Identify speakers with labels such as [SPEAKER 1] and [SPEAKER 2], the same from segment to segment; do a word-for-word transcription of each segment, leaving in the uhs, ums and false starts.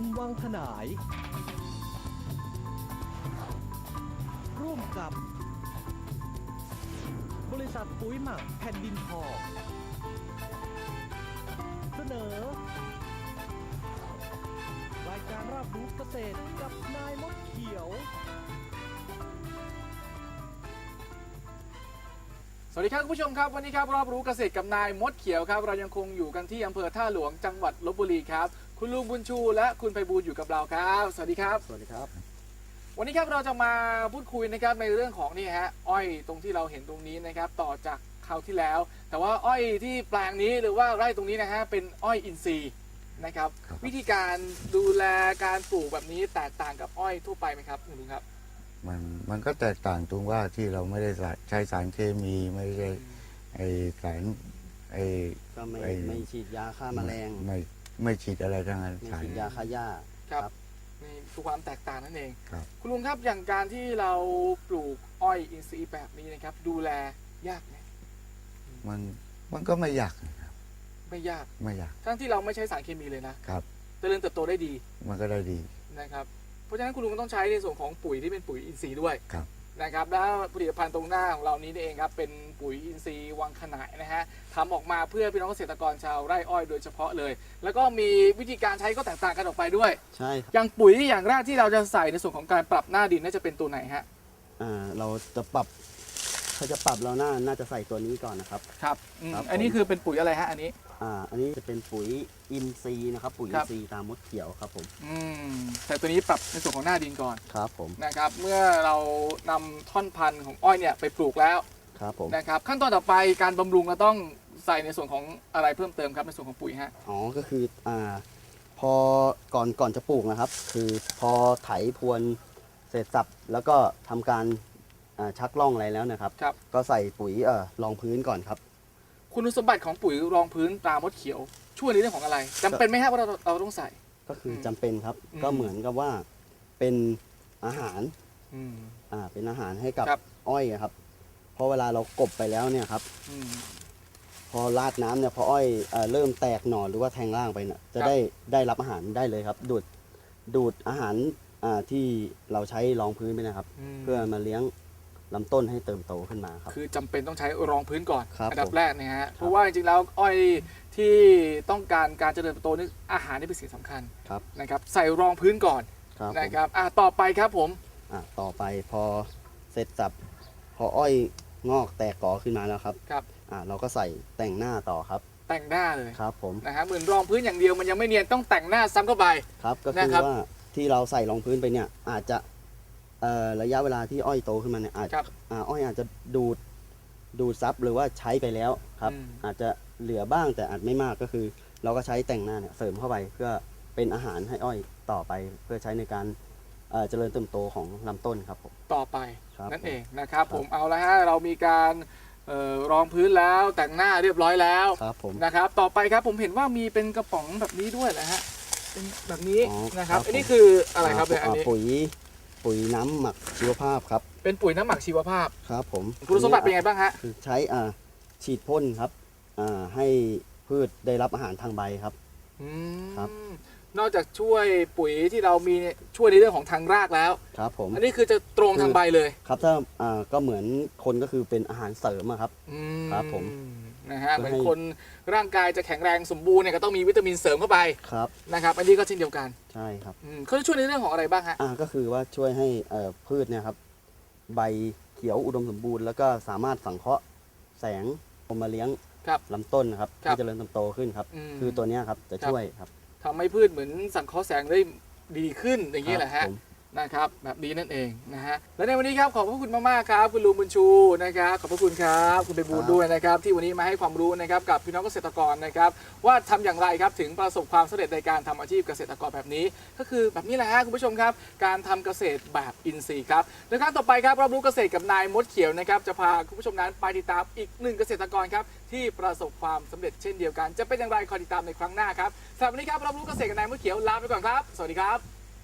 [SPEAKER 1] วังขนาย ร่วมกับ บริษัทปุ๋ยหมักแผ่นดินทองเสนอ รายการรับรู้เกษตรกับนายมดเขียว
[SPEAKER 2] สวัสดีครับคุณผู้ชมครับวันนี้ครับรอบรู้เกษตรกับนายมดเขียวครับเรายังคงอยู่กันที่อำเภอท่าหลวงจังหวัดลพบุรีครับคุณลุงบุญชูและคุณไพบูลย์อยู่กับเราครับสวัสดีครับ
[SPEAKER 3] สวัสดีครับ
[SPEAKER 2] วันนี้ครับเราจะมาพูดคุยนะครับในเรื่องของนี่ฮะอ้อยตรงที่เราเห็นตรงนี้นะครับต่อจากคราวที่แล้ว แต่ว่าอ้อยที่แปลงนี้หรือว่าไร่ตรงนี้นะฮะเป็นอ้อยอินทรีย์นะครับวิธีการดูแลการปลูกแบบนี้แตกต่างกับอ้อยทั่วไปไหมครับคุณลุงครับ
[SPEAKER 3] มันมันก็แตกต่างตรงว่าที่เราไม่ได้ใช้สารเคมีไม่ได้ไอสารไอ
[SPEAKER 4] ก็ไม่
[SPEAKER 3] ไอ้
[SPEAKER 4] ไม่ฉีดยาฆ่าแมลง
[SPEAKER 3] ไม่ไม่ฉีดอะไรทั้งนั้น
[SPEAKER 4] ไม่
[SPEAKER 3] สาร
[SPEAKER 4] ฉีดยาฆ่าหญ้า
[SPEAKER 2] ครับนี่คือความแตกต่างนั่นเอง
[SPEAKER 3] ครับ
[SPEAKER 2] คุณลุงครับอย่างการที่เราปลูกอ้อยอินทรีย์แบบนี้นะครับดูแลยากไหม
[SPEAKER 3] มันมันก็ไม่ยากนะครับ
[SPEAKER 2] ไม่ยาก
[SPEAKER 3] ไม่ยาก
[SPEAKER 2] ทั้งที่เราไม่ใช้สารเคมีเลยนะครับ เจริญเติบโตได้ดี
[SPEAKER 3] มันก็ได้ดี
[SPEAKER 2] นะครับเพราะฉะนั้นคุณลุงต้องใช้ในส่วนของปุ๋ยที่เป็นปุ๋ยอินทรีย์ด้วย
[SPEAKER 3] ครับ
[SPEAKER 2] นะครับแล้วผลิตภัณฑ์ตรงหน้าของเรานี้เองครับเป็นปุ๋ยอินทรีย์วังขนายนะฮะทำออกมาเพื่อพี่น้องเกษตรกรชาวไร่อ้อยโดยเฉพาะเลย แล้วก็มีวิธีการใช้ก็แตกต่างกันออกไปด้วย
[SPEAKER 4] ใช่ครับ
[SPEAKER 2] อย่างปุ๋ยอย่างแรกที่เราจะใส่ในส่วนของการปรับหน้าดินน่าจะเป็นตัวไหนฮะ
[SPEAKER 4] อ่าเราจะปรับถ้าจะปรับเราน่าน่าจะใส่ตัวนี้ก่อนนะครับ
[SPEAKER 2] ครับอืม
[SPEAKER 4] ครับผม
[SPEAKER 2] อันนี้คือเป็นปุ๋ยอะไรฮะอันนี้
[SPEAKER 4] อ่าอันนี้จะเป็นปุ๋ยอินทรีย์นะครับปุ๋ย
[SPEAKER 2] ค
[SPEAKER 4] อิ
[SPEAKER 2] รั
[SPEAKER 4] น
[SPEAKER 2] บ
[SPEAKER 4] ทรีย์ตามมดเขียวครับผม
[SPEAKER 2] อืมแต่ตัวนี้ปรับในส่วนของหน้าดินก่อน
[SPEAKER 4] ครับผม
[SPEAKER 2] นะครับเมื่อเรานำท่อนพันธุ์ของอ้อยเนี่ยไปปลูกแล้ว
[SPEAKER 4] ครับผม
[SPEAKER 2] นะครับขั้นตอนต่อไปการบำรุงเราต้องใส่ในส่วนของอะไรเพิ่มเติมครับในส่วนของปุ๋ยฮะ
[SPEAKER 4] อ๋อก็คืออ่าพอก่อนก่อนจะปลูกนะครับ คือพอไถพรวนเสร็จสับแล้วก็ทำการอ่าชักล่องอะไรแล้วนะครับ
[SPEAKER 2] ครับ
[SPEAKER 4] ก็ใส่ปุ๋ยเอ่อรองพื้นก่อนครับ
[SPEAKER 2] คุณสมบัติของปุ๋ยรองพื้นตรามดเขียว ช่วยในเรื่องของอะไรจำเป็นไหมครับว่าเราเราต้องใส่
[SPEAKER 4] ก็คืออ
[SPEAKER 2] ม
[SPEAKER 4] จำเป็นครับ
[SPEAKER 2] อืม
[SPEAKER 4] ก็เหมือนกับว่าเป็นอาหาร
[SPEAKER 2] อืม
[SPEAKER 4] อ่าเป็นอาหารให้กับ
[SPEAKER 2] ครับ
[SPEAKER 4] อ้อยอะครับเพราะเวลาเรากบไปแล้วเนี่ยครับ
[SPEAKER 2] อืม
[SPEAKER 4] พอราดน้ำเนี่ยพออ้อยเอ่อเริ่มแตกหน่อหรือว่าแทงร่างไปเนี่ยจะ
[SPEAKER 2] ครับ
[SPEAKER 4] ได้ได้รับอาหารได้เลยครับ ดูดดูดอาหารอ่าที่เราใช้รองพื้นไปนะครับ
[SPEAKER 2] ม
[SPEAKER 4] เพื่อมาเลี้ยงลำต้นให้เติมโตขึ้นมาครับ
[SPEAKER 2] คือจำเป็นต้องใช้รองพื้นก่อน
[SPEAKER 4] ครับ
[SPEAKER 2] อัดับ
[SPEAKER 4] ผม
[SPEAKER 2] แรกนะฮะเพราะว่าจริงๆแล้วอ้อยที่ต้องการการเจริญเติบโตนี่อาหารนี่เป็นสิ่งสำคัญ
[SPEAKER 4] ครับ
[SPEAKER 2] นะครับใส่รองพื้นก่อน
[SPEAKER 4] ครับผม
[SPEAKER 2] นะครับอ่ะต่อไปครับผม
[SPEAKER 4] อ่าต่อไปพอเสร็จสับพออ้อยงอกแตกกอขึ้นมาแล้วครับ
[SPEAKER 2] ครับ
[SPEAKER 4] อ่าเราก็ใส่แต่งหน้าต่อครับ
[SPEAKER 2] แต่งหน้าเลย
[SPEAKER 4] ครับผม
[SPEAKER 2] นะฮะเหมือนรองพื้นอย่างเดียวมันยังไม่เนียนต้องแต่งหน้าซ้ำเข้าไป
[SPEAKER 4] ครับก็คือ
[SPEAKER 2] นะครับ
[SPEAKER 4] ว่าที่เราใส่รองพื้นไปเนี่ยอาจจะเอ่อระยะเวลาที่อ้อยโตขึ้นมาเนี่ยอาจ
[SPEAKER 2] ครับ
[SPEAKER 4] อ่าอ้อยอาจจะดูดดูดซับหรือว่าใช้ไปแล้วครับ
[SPEAKER 2] อืม
[SPEAKER 4] อาจจะเหลือบ้างแต่อาจไม่มากก็คือ เราก็ใช้แต่งหน้าเนี่ยเสริมเข้าไปเพื่อเป็นอาหารให้อ้อยต่อไป เพื่อใช้ในการเอ่อเจริญเติบโตของลำต้นครับผม
[SPEAKER 2] ต่อไป
[SPEAKER 4] ครับ
[SPEAKER 2] นั่น
[SPEAKER 4] ผม
[SPEAKER 2] เองนะครับ
[SPEAKER 4] ครับ
[SPEAKER 2] ผมเอาละฮะเรามีการเอ่อรองพื้นแล้วแต่งหน้าเรียบร้อยแล้ว
[SPEAKER 4] ครับผม
[SPEAKER 2] นะครับต่อไปครับผมเห็นว่ามีเป็นกระป๋องแบบนี้ด้วยนะฮะเป็นแบบนี้
[SPEAKER 4] อ๋อ
[SPEAKER 2] นะครับ
[SPEAKER 4] ครับ
[SPEAKER 2] อันนี้คืออะไรครับเนี่ยอัน
[SPEAKER 4] อ่า
[SPEAKER 2] นี้
[SPEAKER 4] ปุ๋ยปุ๋ยน้ำหมักชีวภาพครับ
[SPEAKER 2] เป็นปุ๋ยน้ำหมักชีวภาพ
[SPEAKER 4] ครับผม
[SPEAKER 2] คุณสมบัติเป็นไงบ้างฮะ
[SPEAKER 4] คือใช้อ่าฉีดพ่นครับอ่าให้พืชได้รับอาหารทางใบครับ
[SPEAKER 2] อืม
[SPEAKER 4] ครับ
[SPEAKER 2] นอกจากช่วยปุ๋ยที่เรามีเนี่ยช่วยในเรื่องของทางรากแล้ว
[SPEAKER 4] ครับผม
[SPEAKER 2] อันนี้คือจะตรงทางใบเลย
[SPEAKER 4] ครับถ้าอ่าก็เหมือนคนก็คือเป็นอาหารเสริมอะครับ
[SPEAKER 2] อื
[SPEAKER 4] ครับผม
[SPEAKER 2] นะฮะ
[SPEAKER 4] เพื่
[SPEAKER 2] เหมื
[SPEAKER 4] อ
[SPEAKER 2] อน
[SPEAKER 4] ให้
[SPEAKER 2] คนร่างกายจะแข็งแรงสมบูรณ์เนี่ยก็ต้องมีวิตามินเสริมเข้าไป
[SPEAKER 4] ครับ
[SPEAKER 2] นะครับอันนี้ก็เช่นเดียวกัน
[SPEAKER 4] ใช่ครับ
[SPEAKER 2] อืมเขาจะช่วยในเรื่องของอะไรบ้างฮะ
[SPEAKER 4] อ่าก็คือว่าช่วยให้เอ่อพืชเนี่ยครับใบเขียวอุดมสมบูรณ์แล้วก็สามารถสังเคราะห์แสงลงมาเลี้ยง
[SPEAKER 2] ครับ
[SPEAKER 4] ลำต้นนะครับ
[SPEAKER 2] ครับ
[SPEAKER 4] ให้เจริญเติบโตขึ้นครับ
[SPEAKER 2] อืม
[SPEAKER 4] คือตัวเนี้ยครับจะช่วยครับ
[SPEAKER 2] ทำให้พืชเหมือนสังเคราะห์แสงได้ดีขึ้นอย่างนี้แหละ
[SPEAKER 4] ครั
[SPEAKER 2] ฮะ
[SPEAKER 4] บผม
[SPEAKER 2] นะครับแบบนี้นั่นเองนะฮะและในวันนี้ครับขอบพระคุณมากๆครับคุณลุงบุญชูนะครับขอบพระคุณครับคุณไปบูลย์ด้วยนะครับที่วันนี้มาให้ความรู้นะครับกับพี่น้องเกษตรกรนะครับว่าทำอย่างไรครับถึงประสบความสำเร็จในการทำอาชีพเกษตรกรแบบนี้ ก็คือแบบนี้แหละฮะคุณผู้ชมครับการทำเกษตรแบบอินทรีย์ครับในครั้งต่อไปครับรับรู้เกษตรกับนายมดเขียวนะครับจะพาคุณผู้ชมนั้นไปติดตามอีกหนึ่งเกษตรกรครับที่ประสบความสำเร็จเช่นเดียวกันจะเป็นอย่างไรคอยติดตามในครั้งหน้าครับสำหรับวันนี้ครับรับรู้เกษตรกับนายมดเขียวลาไปก่อนครับสวัสดีครับ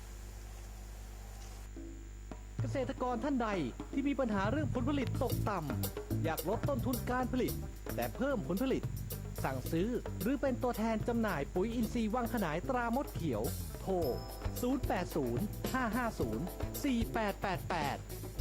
[SPEAKER 1] เกษตรกรท่านใดที่มีปัญหาเรื่องผลผลิตตกต่ำอยากลดต้นทุนการผลิต แต่เพิ่มผลผลิตสั่งซื้อ หรือเป็นตัวแทนจำหน่ายปุ๋ยอินทรีย์วังขนายตรามดเขียว โทร ศูนย์ แปด ศูนย์ ห้า ห้า ศูนย์ สี่ แปด แปด แปด